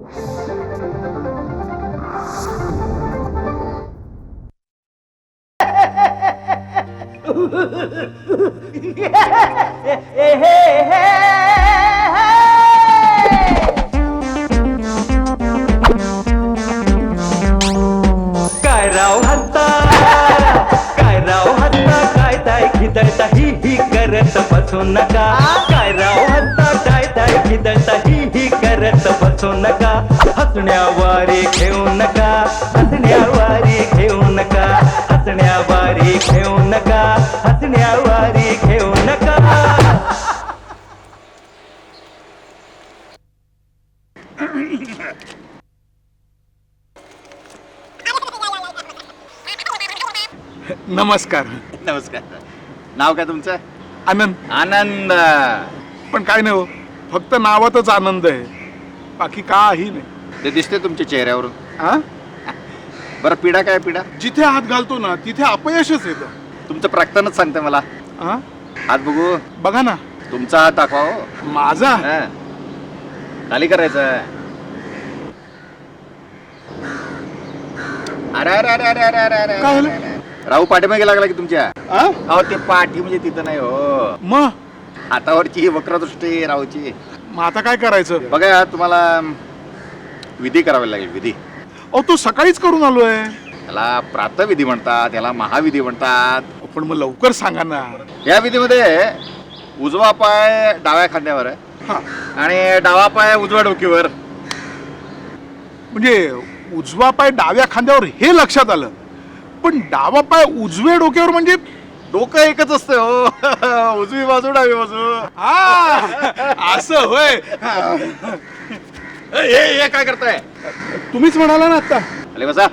काय राव हत्ता, काय राव हत्ता, काय ताय खिदळता ही करत बसू नका. काय राव हत्ता, काय ताय खिदळता ही करत बसू नका. हसण्यावारी घेऊ नका, हसण्यावारी घेऊ नका, हसण्यावारी घेऊ नका, हसण्यावारी घेऊ नका. नमस्कार. नमस्कार. नाव काय तुमचं? आनंद. आनंद. पण काय नाही हो, फक्त नावातच आनंद आहे, बाकी काही नाही. ते दिसते तुमच्या चेहऱ्यावरून. हा? बरं, पिढा काय पिढा? जिथे हात घालतो ना तिथे अपयशच येतं. तुमचं प्राक्तनच सांगते मला. हा? हात बघू. बघा ना. तुमचा हात दाखवा हो. माझा? हा. खाली करायचं. अरे अरे अरे अरे अरे अरे अरे काय झालं? राहू पाठीमागे लागला की तुमच्या? हा? अहो ते पाठी म्हणजे तिथं नाही हो, मग हातावरची वक्रदृष्टी राहूची. मग आता काय करायचं? बघा, तुम्हाला विधी करावी लागेल. विधी. अहो तो सकाळीच करून आलोय. त्याला प्रातविधी म्हणतात, त्याला महाविधी म्हणतात. पण मग लवकर सांगा ना. या विधीमध्ये उजवा पाय डाव्या खांद्यावर आहे हा, आणि डावा पाय उजव्या डोकीवर. म्हणजे उजवा पाय डाव्या खांद्यावर हे लक्षात आलं, पण डावा पाय उजव्या डोक्यावर म्हणजे डोकं एकच असतं हो. उजवी बाजू डावी बाजू. हा, असं होय. हे काय करताय? तुम्हीच म्हणाला ना आता. आले बसा.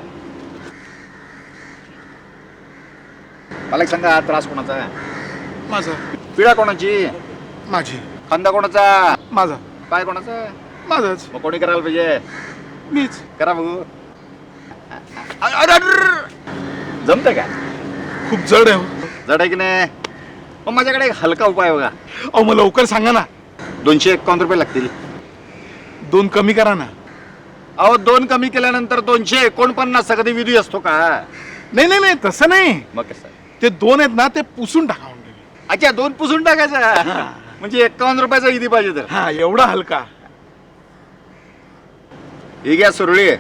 मला एक सांगा, त्रास कोणाचा आहे? माझा. पिढा कोणाची? माझी. खांदा कोणाचा? माझा. पाय कोणाचा? माझाच. मग कोणी करायला पाहिजे? मीच. करा बघू. जमतं का? खूप जड आहे हो. जड आहे की नाही? मग माझ्याकडे एक हलका उपाय बघा. अहो मग लवकर सांगा ना. 251 रुपये लागतील. 2 कमी करा ना. अहो 2 कमी केल्यानंतर 249 कधी विधी असतो का? नाही नाही नाही, तसं नाही. मग कसं? ते 2 आहेत ना, ते पुसून टाका म्हणजे. अच्छा, 2 पुसून टाकायचा. म्हणजे 51 रुपयाचा विधी पाहिजे तर. हा, एवढा हलका. ही घ्या सुरळी.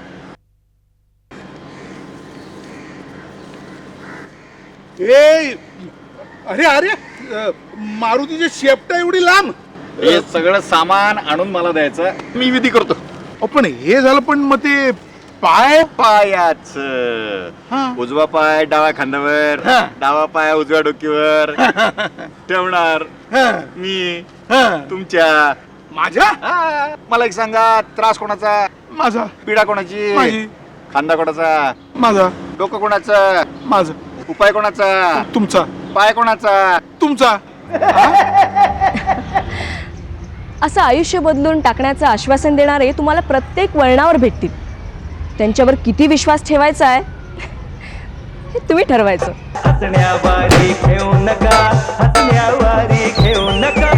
ए, अरे अरे, मारुतीची शेपटा एवढी लांब. हे सगळं सामान आणून मला द्यायचं, मी विधी करतो. अहो, पण हे झालं, पण मग ते पाय. पायाच हा. उजवा पाय डाव्या खांद्यावर, हा. डावा पाय उजव्या डोकीवर ठेवणार हा, मी हा. तुमच्या. माझ्या. हा. मला एक सांगा, त्रास कोणाचा? माझा. पिढा कोणाची? माझी. खांदा कोणाचा? माझा. डोकं कोणाचं? माझा. उपाय कोणाचा? तुमचा. पाय कोणाचा? तुमचा. असं आयुष्य बदलून टाकण्याचं आश्वासन देणारे तुम्हाला प्रत्येक वळणावर भेटतील. त्यांच्यावर किती विश्वास ठेवायचा आहे हे तुम्ही ठरवायचं. हसण्यावारी घेऊ नका, हसण्यावारी घेऊ नका.